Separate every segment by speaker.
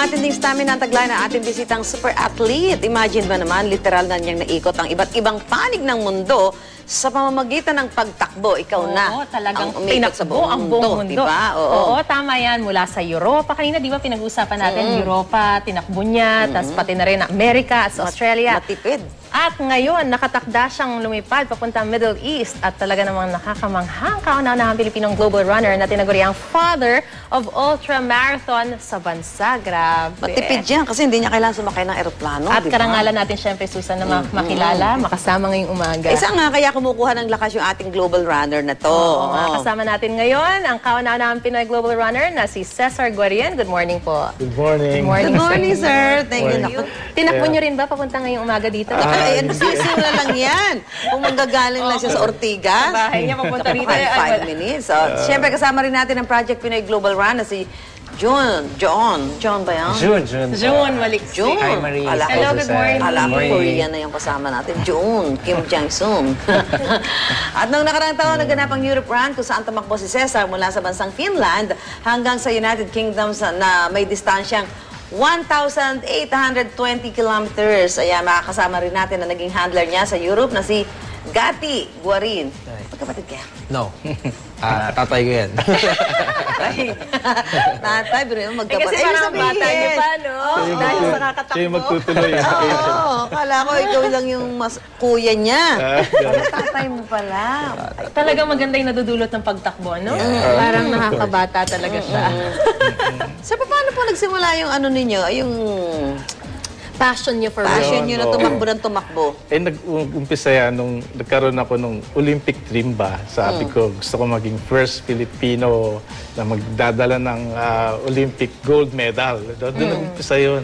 Speaker 1: matinding stamina ang taglay na ating bisitang super athlete. Imagine ba naman, literal na niyang naikot ang iba't ibang panig ng mundo sa pamamagitan ng pagtakbo. Ikaw na
Speaker 2: talagang
Speaker 1: ang umikot sa
Speaker 2: ang buong mundo.
Speaker 1: Diba?
Speaker 2: Oo, tama yan. Mula sa Europa. Kanina, di ba, pinag-usapan natin Europa, tinakbo niya, tas pati na rin Amerika at Australia.
Speaker 1: Matipid.
Speaker 2: At ngayon, nakatakda siyang lumipad papunta Middle East at talaga namang nakakamanghang kauna-unahang Pilipinong global runner na tinaguri ang father of ultramarathon sa bansa. Grabe.
Speaker 1: Matipid yan kasi hindi niya kailangan sumakay ng eroplano.
Speaker 2: At
Speaker 1: diba?
Speaker 2: karangalan natin, syempre, Susan, na makilala, makasama ngayong umaga.
Speaker 1: Isa nga, kaya kumukuha ng lakas yung ating global runner na to.
Speaker 2: Oo, kasama natin ngayon ang kauna-unahang Pinoy global runner na si Cesar Guarien. Good morning po.
Speaker 3: Good morning.
Speaker 1: Good morning, sir. Thank you.
Speaker 2: Tinakbo niyo rin ba papunta ngayong umaga dito?
Speaker 1: Ay, simula lang yan. Kung manggagaling lang siya sa Ortigas.
Speaker 2: Bahay niya papunta rito.
Speaker 1: 5 minutes. So, siyempre, kasama rin natin ang Project Pinoy Global Run na si John ba yan?
Speaker 2: June, Maliksi.
Speaker 1: June.
Speaker 3: Hi, Marie.
Speaker 2: Hello, good morning.
Speaker 1: Alam ko, Korean na yung kasama natin. June, Kim Jang-sung. At noong nakarang taon, naganap ang Europe Run kung saan tumakbo si Cesar mula sa bansang Finland hanggang sa United Kingdom na may distansyang 1,820 kilometers. Ayan, makakasama rin natin na naging handler niya sa Europe na si Gati Guarin. Magkapatid kaya?
Speaker 3: No. Tatay ko yan.
Speaker 1: Tatay, pero yung magkapatid.
Speaker 2: Kasi parang bata niyo pa, no? Dahil sa kakatakbo.
Speaker 3: Siya yung magtutuloy.
Speaker 1: Oo, kala ko ikaw lang yung kuya niya. Tatay mo pala.
Speaker 2: Talagang maganda yung nadudulot ng pagtakbo, no? Parang nakakabata talaga siya.
Speaker 1: So, paano po nagsimula yung ano ninyo, yung
Speaker 2: Passion niyo for
Speaker 1: passion
Speaker 2: running.
Speaker 1: nyo na tumakbo ng tumakbo?
Speaker 3: Nag-umpisa yan nung nagkaroon ako nung Olympic dream ba. Sabi ko, gusto ko maging first Filipino na magdadala ng Olympic gold medal. Doon nag-umpisa yun.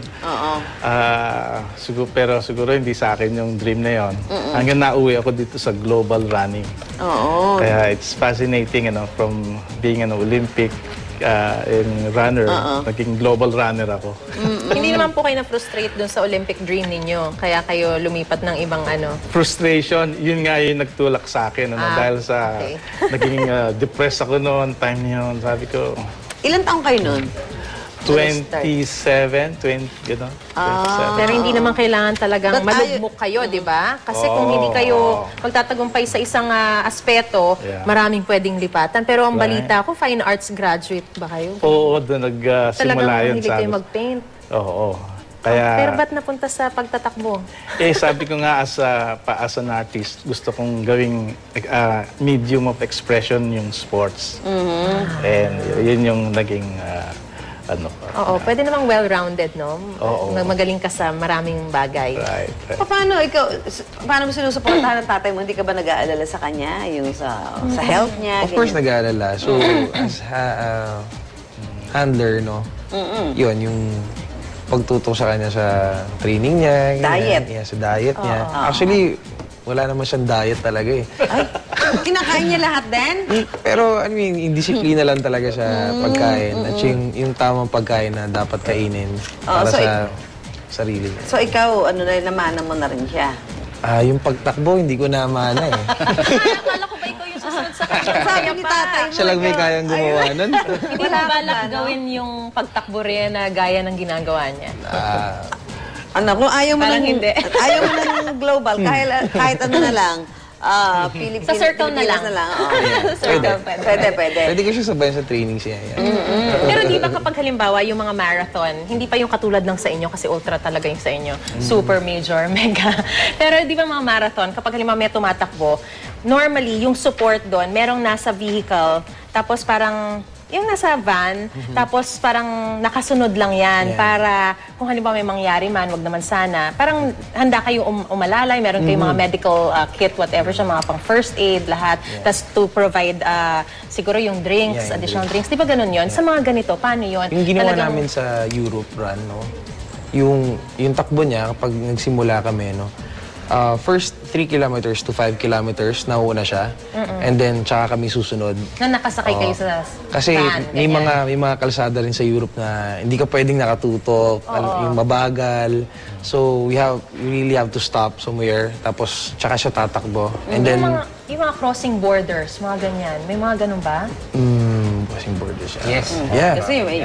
Speaker 3: Pero siguro hindi sa akin yung dream na yun. Hanggang nauwi ako dito sa global running. Kaya it's fascinating, from being an Olympic runner, naging global runner ako.
Speaker 2: Hindi naman po kayo na-frustrate dun sa Olympic dream ninyo, kaya kayo lumipat ng ibang
Speaker 3: Frustration, yun nga yung nagtulak sa akin. Dahil sa naging depressed ako noon, time yun. Sabi ko,
Speaker 1: Ilan taong kayo nun?
Speaker 3: 27, 20, gano'n.
Speaker 2: Pero hindi naman kailangan talagang malugmok kayo, di ba? Kasi kung hindi kayo magtatagumpay sa isang aspeto, maraming pwedeng lipatan. Pero ang balita ko, fine arts graduate ba kayo?
Speaker 3: Oo, doon nagsimula
Speaker 2: Talagang
Speaker 3: yun.
Speaker 2: mahilig kayo mag-paint.
Speaker 3: Oo. Kaya,
Speaker 2: Pero ba't napunta sa pagtatakbo?
Speaker 3: sabi ko nga as an artist, gusto kong gawing medium of expression yung sports. And yun yung naging
Speaker 2: Oo, pwede namang well-rounded, no?
Speaker 3: Oo.
Speaker 2: Magaling ka sa maraming bagay.
Speaker 3: Right.
Speaker 1: Paano mo sinusuportahan ng tatay mo? Hindi ka ba nag-aalala sa kanya? Yung sa health niya?
Speaker 4: Of course, nag-aalala. So, as handler, no? Yun, yung pagtutok sa kanya sa training niya.
Speaker 1: Diet.
Speaker 4: Yeah, sa diet niya. Actually, wala naman siyang diet talaga eh.
Speaker 1: Ay, kinakain niya lahat din?
Speaker 4: Pero, indisiplina lang talaga sa pagkain. At yung tamang pagkain na dapat kainin para sa sarili niya.
Speaker 1: So, ikaw, namana mo na rin siya?
Speaker 4: Yung pagtakbo, hindi ko namana eh.
Speaker 2: Akala ko ba ikaw yung susunod sa kanya?
Speaker 1: Sabi ni tatay mo.
Speaker 4: Siya lang may kayang gumawa nun.
Speaker 2: Hindi mo balak gawin yung pagtakbo rin na gaya ng ginagawa niya?
Speaker 1: Kung ayaw mo
Speaker 2: Parang hindi.
Speaker 1: Ayaw mo ng global, kahit ano na lang,
Speaker 2: Sa circle na lang. Circle, pwede.
Speaker 4: Pwede ko siya sabayan sa training siya.
Speaker 2: Pero di ba kapag halimbawa yung mga marathon, hindi pa yung katulad ng sa inyo kasi ultra talaga yung sa inyo. Super, major, mega. Pero di ba mga marathon, kapag halimbawa may tumatakbo, normally yung support doon, merong nasa vehicle, tapos parang yung nasa van, tapos parang nakasunod lang yan para kung halimbawa may mangyari man, wag naman sana. Parang handa kayo umalalay, meron kayong mga medical kit, whatever siya, mga pang first aid, lahat. Tapos to provide siguro yung drinks, additional drinks. Di ba ganun yun? Sa mga ganito, paano yun?
Speaker 4: Yung ginawa namin sa Europe run, no? Yung takbo niya, kapag nagsimula kami, no? First 3 kilometers to 5 kilometers, nauna siya. And then, tsaka kami susunod.
Speaker 2: Na nakasakay kayo sa
Speaker 4: Kasi
Speaker 2: van,
Speaker 4: may mga kalsada rin sa Europe na hindi ka pwedeng nakatutok, yung mabagal. So, we really have to stop somewhere. Tapos, tsaka siya tatakbo. And then,
Speaker 2: yung mga crossing borders, mga ganyan. May mga ganun ba?
Speaker 4: crossing borders siya.
Speaker 3: Yes.
Speaker 4: Yeah.
Speaker 1: Kasi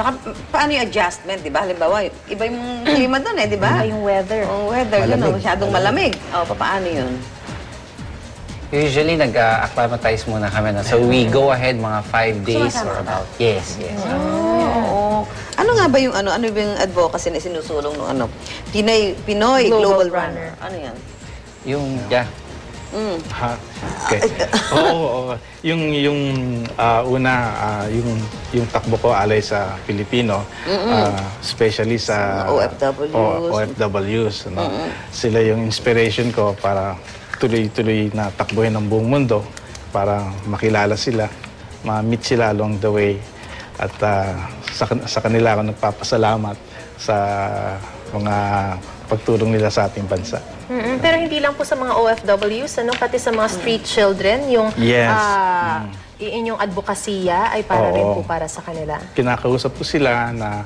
Speaker 1: Saka, paano yung adjustment, di ba? Halimbawa, iba yung klima doon di ba?
Speaker 2: Iba yung weather.
Speaker 1: Oh, weather, yun,
Speaker 4: Malamig.
Speaker 1: masyadong malamig. Paano yun?
Speaker 5: Usually, nag-acclimatize muna kami na. So, we go ahead mga 5 days
Speaker 1: Sumasama
Speaker 5: or
Speaker 1: ka ba?
Speaker 5: about. Yes, yes.
Speaker 1: Oo. Ano nga ba yung ano ba yung advocacy na sinusulong ng Pinoy Global Runner? Ano yan?
Speaker 5: Yung, yeah.
Speaker 3: Ha? Okay. Oo. Yung una, yung takbo ko alay sa Pilipino, especially sa
Speaker 1: OFWs.
Speaker 3: OFWs. No? Sila yung inspiration ko para tuloy-tuloy na takbuhin ng buong mundo para makilala sila, ma-meet sila along the way. At sa kanila ako nagpapasalamat sa mga pagtulong nila sa ating bansa.
Speaker 2: Pero hindi lang po sa mga OFWs, pati sa mga street children, yung
Speaker 3: Yes.
Speaker 2: inyong advokasya ay para rin po para sa kanila.
Speaker 3: Kinakausap ko sila na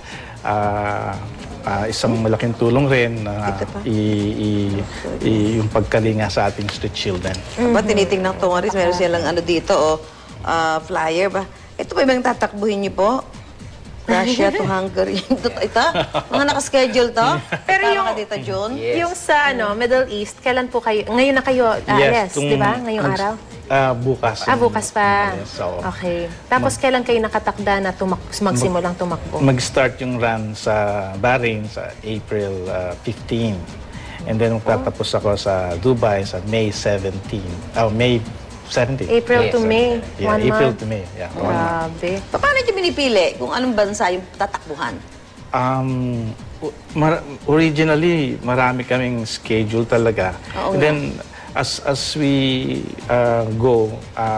Speaker 3: isang malaking tulong rin na yung pagkalinga sa ating street children.
Speaker 1: Ba, tinitingnan ko, Maris, meron silang dito, flyer ba? Ito ba yung tatakbuhin niyo po? Russia to Hungary. Ito? Mga nakaschedule to?
Speaker 2: Pero
Speaker 1: Tama
Speaker 2: yung-
Speaker 1: ka dito, June?
Speaker 5: Yes.
Speaker 2: Yung sa Middle East, kailan po kayo? Ngayon na kayo alis, di ba? Ngayong araw?
Speaker 3: Bukas.
Speaker 2: Bukas pa.
Speaker 3: Yes, so,
Speaker 2: Okay. Tapos kailan kayo nakatakda na magsimulang tumakbo?
Speaker 3: mag-start yung run sa Bahrain sa April 15. And then magtatapos ako sa Dubai sa May 17. May 17.
Speaker 2: April to
Speaker 5: Yes,
Speaker 2: May.
Speaker 3: Yeah,
Speaker 2: 1
Speaker 3: April
Speaker 2: month.
Speaker 3: to May. Yeah, 1 month.
Speaker 2: Grabe.
Speaker 1: Paano niyo binipili kung anong bansa yung tatakbuhan?
Speaker 3: Originally, marami kaming schedule talaga.
Speaker 1: Oo
Speaker 3: And
Speaker 1: nga.
Speaker 3: then, as we go,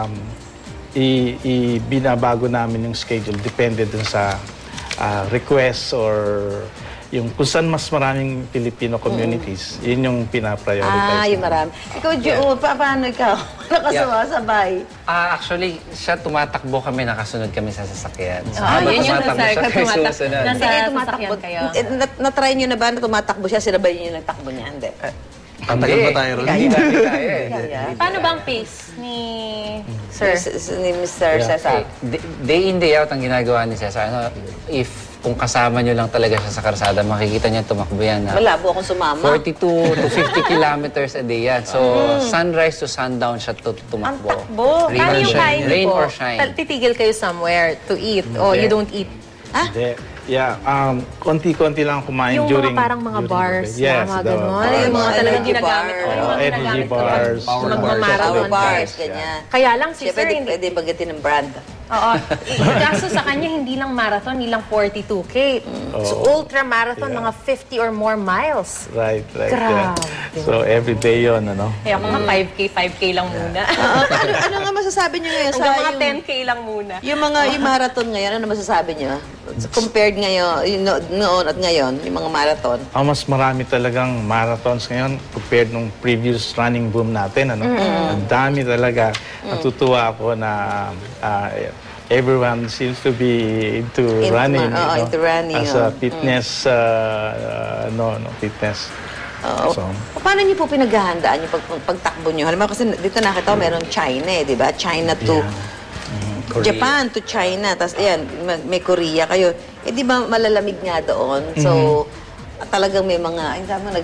Speaker 3: binabago namin yung schedule. Depende dun sa requests or yung kung saan mas maraming Filipino communities, yun yung pinaprioritize.
Speaker 1: Yung marami. Ikaw, June, paano ikaw? Nakasumasabay.
Speaker 5: Actually, siya tumatakbo kami, nakasunod kami sa sasakyan. So,
Speaker 2: Yun yung
Speaker 5: tumatakbo
Speaker 2: nasa
Speaker 5: siya, kayo
Speaker 2: tumatak.
Speaker 5: susunod.
Speaker 2: Nasa
Speaker 1: Sige,
Speaker 2: sasakyan
Speaker 1: tumatakbo.
Speaker 2: kayo.
Speaker 1: Na-try niyo na ba na tumatakbo siya? Sinabay niyo yung nagtakbo niya? Hindi.
Speaker 4: Tatagal ba tayo ron?
Speaker 5: Hindi namin kaya eh.
Speaker 1: Kaya.
Speaker 2: Paano bang pace ni Sir?
Speaker 1: Ni Mr. Cesar.
Speaker 5: Day in, day out ang ginagawa ni Cesar. Kung kasama nyo lang talaga siya sa karsada, makikita niya tumakbo yan.
Speaker 1: Malabo akong sumama.
Speaker 5: 42 to 50 kilometers a day yan. So, sunrise to sundown siya tumakbo.
Speaker 1: Ang takbo.
Speaker 5: Rain
Speaker 2: Paano
Speaker 5: or
Speaker 2: yung
Speaker 5: shine.
Speaker 2: kain niyo
Speaker 5: Rain
Speaker 2: po?
Speaker 5: or shine.
Speaker 2: Titigil kayo somewhere to eat o you don't eat?
Speaker 3: Hindi. Yeah, konti-konti lang kumain
Speaker 2: Yung
Speaker 3: during...
Speaker 2: mga parang mga
Speaker 3: during the
Speaker 2: bars,
Speaker 3: day. Yes,
Speaker 2: mga
Speaker 3: the
Speaker 2: ganon.
Speaker 3: bars.
Speaker 2: Yung mga talagang
Speaker 1: Energy
Speaker 2: ginagamit ko.
Speaker 1: bar.
Speaker 2: Yung mga
Speaker 3: Energy
Speaker 2: ginagamit ko
Speaker 3: bars,
Speaker 2: pag
Speaker 3: power
Speaker 2: magmamarathon.
Speaker 1: Power bars,
Speaker 3: Yes,
Speaker 1: ganyan.
Speaker 2: Kaya lang si
Speaker 1: Siya,
Speaker 2: Sir, hindi.
Speaker 1: pwede bagitin ng brand.
Speaker 2: Oo. Kaso sa kanya, hindi lang marathon, hindi lang 42K. So, ultra marathon, mga 50 or more miles.
Speaker 3: Right.
Speaker 2: Grabe.
Speaker 3: Yeah. So, every day yun, ano?
Speaker 2: Kaya ako nga 5K lang muna.
Speaker 1: Ano nga masasabi niyo ngayon sa
Speaker 2: Hanggang mga
Speaker 1: yung...
Speaker 2: 10K lang muna.
Speaker 1: Yung marathon ngayon, ano masasabi niyo? Compared ngayon, noon at ngayon, yung mga marathon.
Speaker 3: Mas marami talagang marathons ngayon compared nung previous running boom natin. Ano? Ang dami talaga. Natutuwa ako na everyone seems to be into running.
Speaker 1: Into running.
Speaker 3: As a fitness, fitness.
Speaker 1: Oo.
Speaker 3: So,
Speaker 1: Paano niyo po pinaghahandaan yung pagtakbo niyo? Halimbawa kasi dito nakita ko meron China di ba? China to
Speaker 3: Korea.
Speaker 1: Japan to China. Tapos ayan, may Korea kayo. Di ba malalamig nga doon? So, talagang may mga,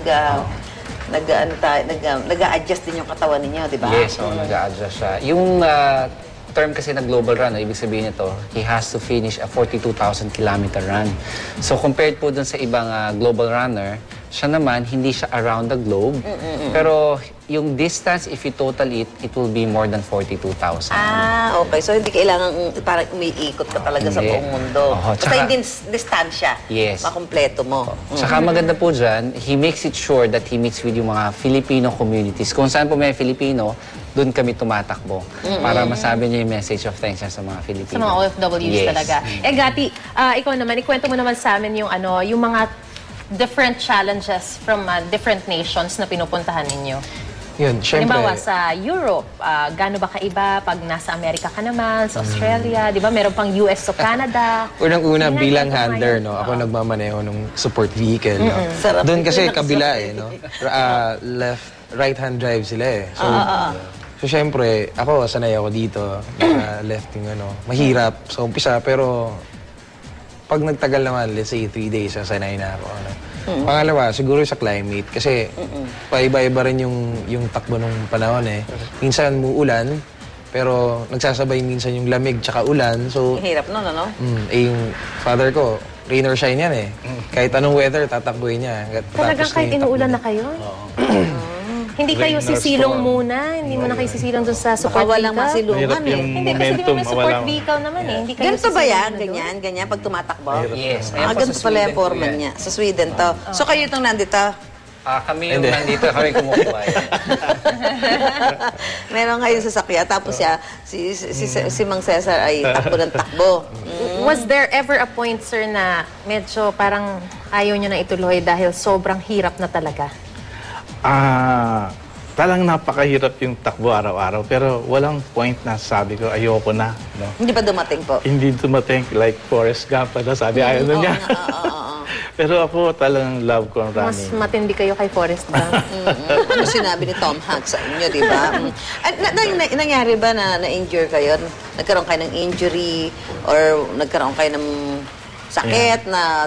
Speaker 1: nag-a-adjust din yung katawan ninyo, di ba?
Speaker 5: Yes, nag-a-adjust siya. Yung term kasi na global run, ibig sabihin nito, he has to finish a 42,000 kilometer run. So compared po dun sa ibang global runner, siya naman, hindi siya around the globe. Pero yung distance, if you total it, it will be more than 42,000.
Speaker 1: Okay. So, hindi kailangan parang umiikot ka talaga sa
Speaker 5: Hindi.
Speaker 1: buong mundo.
Speaker 5: Oo,
Speaker 1: Basta
Speaker 5: tsaka-
Speaker 1: yung distansya,
Speaker 5: Yes.
Speaker 1: makumpleto mo.
Speaker 5: Saka maganda po dyan, he makes it sure that he meets with yung mga Filipino communities. Kung saan po may Filipino, doon kami tumatakbo. Para masabi niya yung message of thanks niya sa mga Filipino.
Speaker 2: Sa mga OFWs
Speaker 5: Yes.
Speaker 2: talaga. Gati, ikaw naman, ikwento mo naman sa amin yung mga different challenges from different nations na pinupuntahan ninyo.
Speaker 4: Yun, syempre.
Speaker 2: Halimbawa sa Europe, gaano ba kaiba pag nasa Amerika ka naman, sa Australia, di ba? Meron pang US o Canada.
Speaker 4: Unang-una
Speaker 2: Sige,
Speaker 4: bilang
Speaker 2: kwento mo
Speaker 4: handler,
Speaker 2: yan.
Speaker 4: no? Ako nagmamaneho ng support vehicle, no?
Speaker 1: Sarap
Speaker 4: Doon kasi
Speaker 1: yun,
Speaker 4: kabila no? Right-hand drive sila eh. So syempre, ako sanay ako dito, left yung mahirap sa umpisa, pero pag nagtagal naman, let's say 3 days, sasanay na ako. Ano. Pangalawa, siguro sa climate. Kasi paiba-iba rin yung takbo ng panahon eh. Minsan muulan, pero nagsasabay minsan yung lamig tsaka ulan. So,
Speaker 1: Hirap nun, ano?
Speaker 4: yung father ko, rain or shine yan eh. Kahit anong weather, tatakbuhin niya.
Speaker 2: Talagang kahit inuulan na kayo? Hindi kayo
Speaker 3: Rain or
Speaker 2: sisilong
Speaker 3: storm.
Speaker 2: muna? Hindi mo na kayo sisilong dun sa support
Speaker 1: Baka walang
Speaker 2: vehicle?
Speaker 1: masilungan
Speaker 3: Mahirap
Speaker 1: eh.
Speaker 3: yung
Speaker 2: Hindi, kasi di ba
Speaker 3: momentum,
Speaker 2: may support
Speaker 3: mawala.
Speaker 2: vehicle naman eh. Hindi kayo
Speaker 1: Ganito ba
Speaker 2: sisilong
Speaker 1: yan?
Speaker 2: na doon?
Speaker 1: Ganyan pag tumatakbo?
Speaker 5: Yes. Ayan po
Speaker 1: Ganito
Speaker 5: sa
Speaker 1: pala yung
Speaker 5: Sweden po
Speaker 1: foreman
Speaker 5: yan.
Speaker 1: niya. Sa Sweden to. So kayo itong nandito?
Speaker 5: Kami yung nandito, kami kumukuha.
Speaker 1: Meron kayong sasakyan. Tapos siya, si Mang Cesar ay takbo ng takbo.
Speaker 2: Was there ever a point, sir, na medyo parang ayaw nyo na ituloy dahil sobrang hirap na talaga?
Speaker 3: Talang napakahirap yung takbo araw-araw, pero walang point na sabi ko, ayoko na. No?
Speaker 1: Hindi pa dumating po?
Speaker 3: Hindi dumating like Forrest Gump na sabi, ayaw na niya. Pero ako talagang love ko ang
Speaker 2: Mas
Speaker 3: running.
Speaker 2: matindi kayo kay Forrest Gump.
Speaker 1: Ano sinabi ni Tom Hanks sa inyo, di ba? At nangyari ba na na-injure kayo? Nagkaroon kayo ng injury or nagkaroon kayo ng sakit na...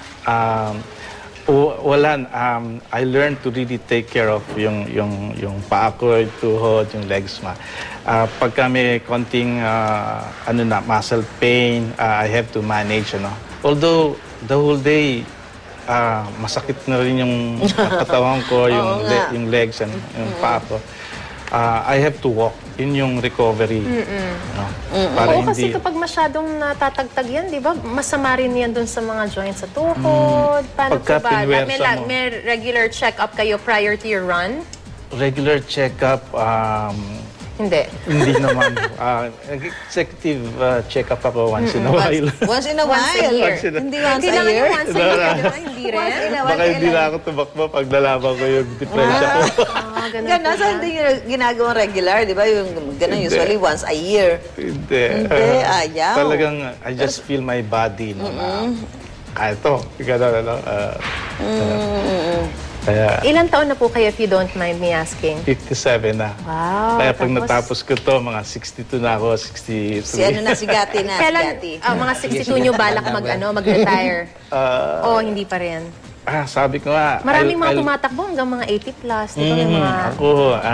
Speaker 3: Wala. I learned to really take care of yung paa ko, yung tuhod, yung legs. Pagka may konting muscle pain, I have to manage. Although the whole day, masakit na rin yung katawan ko, yung legs, and yung paa ko. I have to walk. Yun yung recovery. No? Para
Speaker 2: Oo, kasi
Speaker 3: hindi...
Speaker 2: kapag masyadong natatagtag yan, di ba? Masama rin yan dun sa mga joints sa tuhod. Paano
Speaker 3: Pagka
Speaker 2: po ba?
Speaker 3: pinwersa mo.
Speaker 2: May regular check-up kayo prior to your run?
Speaker 3: Regular check-up,
Speaker 2: Hindi.
Speaker 3: hindi naman. Executive check-up ako once in a while.
Speaker 1: Once in a while?
Speaker 2: Once a year.
Speaker 1: Hindi once a
Speaker 2: Kailangan
Speaker 1: year?
Speaker 2: yung once a year, di ba? Hindi rin?
Speaker 1: Once in a while,
Speaker 3: Baka hindi
Speaker 1: kailan?
Speaker 3: na ako tumakbo pag nalaman ko yung diferensya ko.
Speaker 2: Ganun
Speaker 1: Ganun, so hindi nyo ginagawang regular, di ba? Yung ganun, usually once a year.
Speaker 3: Hindi.
Speaker 1: Hindi, ayaw.
Speaker 3: Talagang, I just feel my body. No, ito, gano'n, kaya,
Speaker 2: Ilan taon na po kayo, if you don't mind me asking?
Speaker 3: 57 na.
Speaker 2: Wow.
Speaker 3: Kaya pag
Speaker 2: tapos-
Speaker 3: natapos ko to, mga 62 na ako, 63.
Speaker 1: Si ano na, si Gati na, si
Speaker 2: Kailan,
Speaker 1: Gati.
Speaker 2: mga 62 nyo balak mag-retire? O hindi pa rin?
Speaker 3: Sabi ko nga,
Speaker 2: Maraming mga
Speaker 3: I'll-
Speaker 2: tumatakbo hanggang mga 80 plus. Di ba? May mga...
Speaker 3: Ako,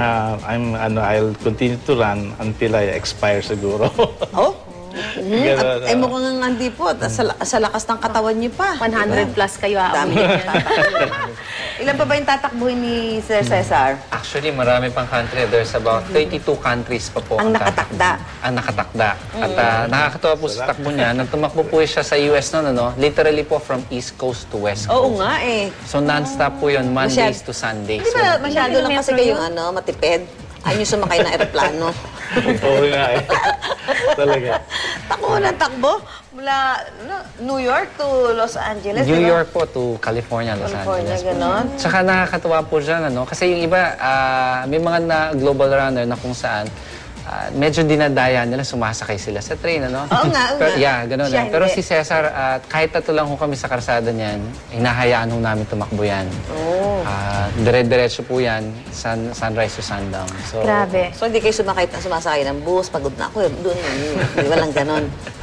Speaker 3: I'll continue to run until I expire siguro.
Speaker 1: Oh?
Speaker 3: Ganun,
Speaker 1: Ay mukhang hindi po. Sa lakas ng katawan niyo pa.
Speaker 2: 100 plus kayo
Speaker 1: Dami
Speaker 2: aabutin
Speaker 1: niyo
Speaker 2: yan.
Speaker 1: tatakbuhin. Ilan pa ba yung tatakbuhin ni Sir Cesar?
Speaker 5: Actually, marami pang country. There's about 32 countries pa po.
Speaker 1: Ang nakatakda.
Speaker 5: Ang nakatakda. At nakakatawa po sa takbo niya, nang tumakbo po siya sa US noon, literally po from East Coast to West
Speaker 1: Oo
Speaker 5: Coast.
Speaker 1: nga eh.
Speaker 5: So non-stop po yun, Mondays
Speaker 1: Masyad-
Speaker 5: to Sundays.
Speaker 1: Di ba masyado lang kasi
Speaker 2: Metro
Speaker 1: kayong matipid? Ayaw niyo sumakay ng aeroplano.
Speaker 3: Oo nga eh. Talaga.
Speaker 1: Takbo ng takbo mula New York to Los Angeles.
Speaker 5: New
Speaker 1: di ba?
Speaker 5: York po to California, Los
Speaker 1: California,
Speaker 5: Angeles.
Speaker 1: ganon.
Speaker 5: Tsaka nakakatuwa po dyan, kasi yung iba, may mga global runner na kung saan, medyo dinadaya nila, sumasakay sila sa train,
Speaker 1: Oo nga, oo
Speaker 5: Pero,
Speaker 1: nga.
Speaker 5: yeah, ganun.
Speaker 1: Siya
Speaker 5: Pero
Speaker 1: hindi.
Speaker 5: si Cesar, kahit tatlo lang ho kami sa karsada niyan, hinahayaan ho namin tumakbo yan.
Speaker 1: Oh.
Speaker 5: Dire-diretso po yan, sunrise to sundown. So,
Speaker 2: Grabe.
Speaker 1: So hindi kayo sumasakay ng bus, pagod na ako. Doon, walang ganon.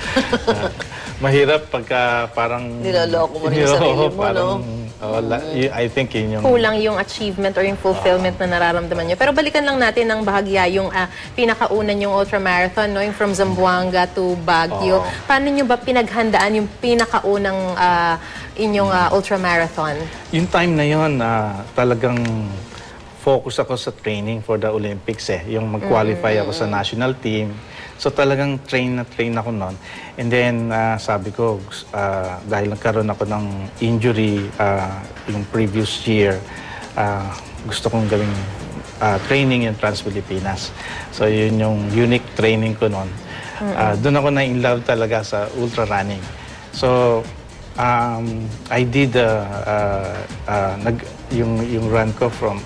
Speaker 3: Mahirap pagka parang...
Speaker 1: Niloloko mo rin yung sarili mo,
Speaker 3: parang,
Speaker 1: no?
Speaker 3: I think yun yung...
Speaker 2: Kulang yung achievement or yung fulfillment na nararamdaman nyo. Pero balikan lang natin ng bahagya yung pinakaunan yung ultramarathon, no? Yung from Zamboanga to Baguio. Paano nyo ba pinaghandaan yung pinakaunang inyong ultramarathon?
Speaker 3: Yung time na yun, talagang focus ako sa training for the Olympics Yung mag-qualify ako sa national team. So talagang train ako noon. And then sabi ko, dahil nagkaroon ako ng injury yung previous year, gusto kong gawing training in Trans-Pilipinas. So yun yung unique training ko noon. Doon ako na-in-love talaga sa ultra running. So I did yung run ko from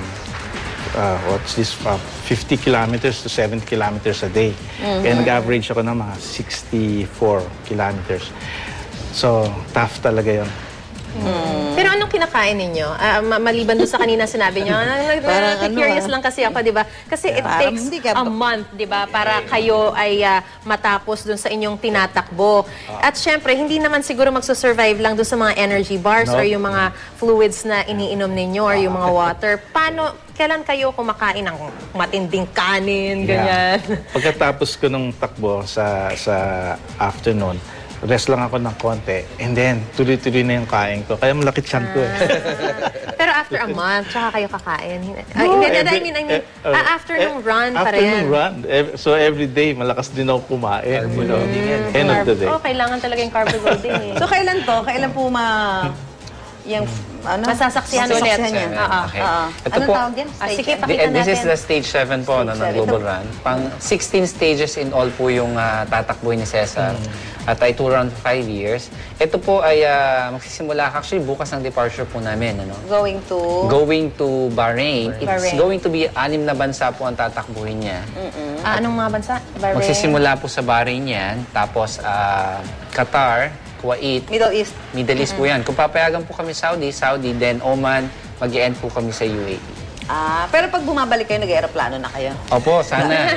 Speaker 3: 50 kilometers to 70 kilometers a day. Kaya nag-average ako ng mga 64 kilometers. So, tough talaga yun.
Speaker 2: Pero anong kinakain ninyo? Maliban doon sa kanina sinabi nyo,
Speaker 1: Parang
Speaker 2: curious lang kasi ako, di ba? Kasi it
Speaker 1: Parang
Speaker 2: takes
Speaker 1: hindi ka-
Speaker 2: a month, di ba? Para kayo ay matapos doon sa inyong tinatakbo. At syempre, hindi naman siguro magsusurvive lang doon sa mga energy bars
Speaker 3: No.
Speaker 2: or yung mga fluids na iniinom ninyo or yung mga water. Kailan kayo kumakain ng matinding kanin, ganyan?
Speaker 3: Pagkatapos ko nung takbo sa afternoon, rest lang ako ng konti. And then, tuloy-tuloy na yung kain ko. Kaya malaki tiyan ko eh.
Speaker 2: Pero after a month, tsaka kayo kakain.
Speaker 3: No,
Speaker 2: After nung run pa
Speaker 3: after
Speaker 2: rin.
Speaker 3: nung run. So every day, malakas din ako kumain. You know? End of the day.
Speaker 2: Oh, kailangan talaga yung carbo loading eh.
Speaker 1: So, kailan to? Kailan po yung,
Speaker 2: Masasaksihan ulit.
Speaker 1: niya?
Speaker 5: Okay. Ito
Speaker 1: Anong
Speaker 5: po,
Speaker 1: tawag yan?
Speaker 2: Sige,
Speaker 1: Stage
Speaker 2: pakita
Speaker 5: This is
Speaker 2: natin.
Speaker 5: the stage 7 po no, ng
Speaker 1: Stage
Speaker 5: Global Run. Pang 16 stages in all po yung tatakbuhin ni Cesar. At ay 2 round 5 years. Ito po ay magsisimula actually bukas ng departure po namin. Ano?
Speaker 1: Going to...
Speaker 5: Going to Bahrain. It's
Speaker 2: Bahrain.
Speaker 5: going to be 6 na bansa po ang tatakbuhin niya.
Speaker 2: Anong mga bansa? Bahrain?
Speaker 5: Magsisimula po sa Bahrain yan. Tapos Qatar, Kuwait,
Speaker 1: Middle East.
Speaker 5: po yan. Kung papayagan po kami Saudi, then Oman, mag-e-end po kami sa UAE.
Speaker 1: Pero pag bumabalik kayo, nag-aeroplano na kayo.
Speaker 5: Opo, sana.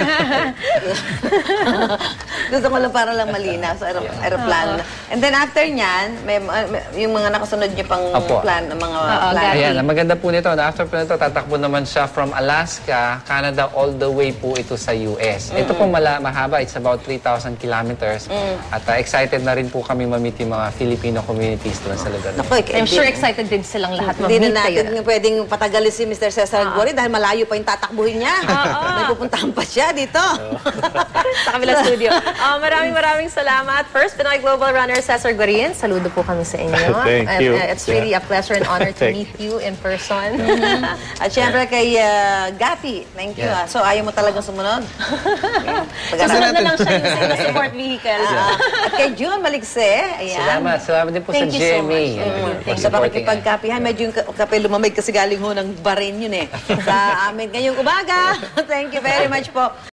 Speaker 1: Gusto ko lang para lang malinaw sa aeroplano na. And then after nyan, may yung mga nakasunod nyo pang
Speaker 5: Opo.
Speaker 1: plan, mga plan.
Speaker 5: Ayan, ang maganda po nito, na after po nito, tatakbo naman siya from Alaska, Canada, all the way po ito sa US. Ito po mahaba, it's about 3,000 kilometers. At excited na rin po kami ma-meet yung mga Filipino communities doon sa lugar.
Speaker 1: Naku,
Speaker 2: I'm sure excited din silang lahat
Speaker 1: Hindi
Speaker 2: mag-meet
Speaker 1: na
Speaker 2: kayo.
Speaker 1: natin pwedeng patagalin si Mr. Cesar Gori dahil malayo pa yung tatakbuhin niya. May pupuntahan pa siya dito.
Speaker 2: Sa kabilang studio. Maraming salamat. First, Pinoy Global Runner Cesar Gorin. Saludo po kami sa inyo.
Speaker 3: Thank you.
Speaker 2: It's really a pleasure and honor to
Speaker 3: Thank
Speaker 2: meet you in person.
Speaker 1: At syempre kay Gapi, thank you. So ayaw mo talagang sumunod?
Speaker 2: Susunod na lang siya yung sa support vehicle.
Speaker 1: At kay June Maligse, ayan.
Speaker 5: Salamat din po sa
Speaker 2: Thank you so
Speaker 5: GMA.
Speaker 2: much.
Speaker 1: Sa pakikipagkapihan, medyo yung kape lumamig kasi galing ho ng Bahrain yun eh. Sa amin ngayong umaga. Thank you very much po.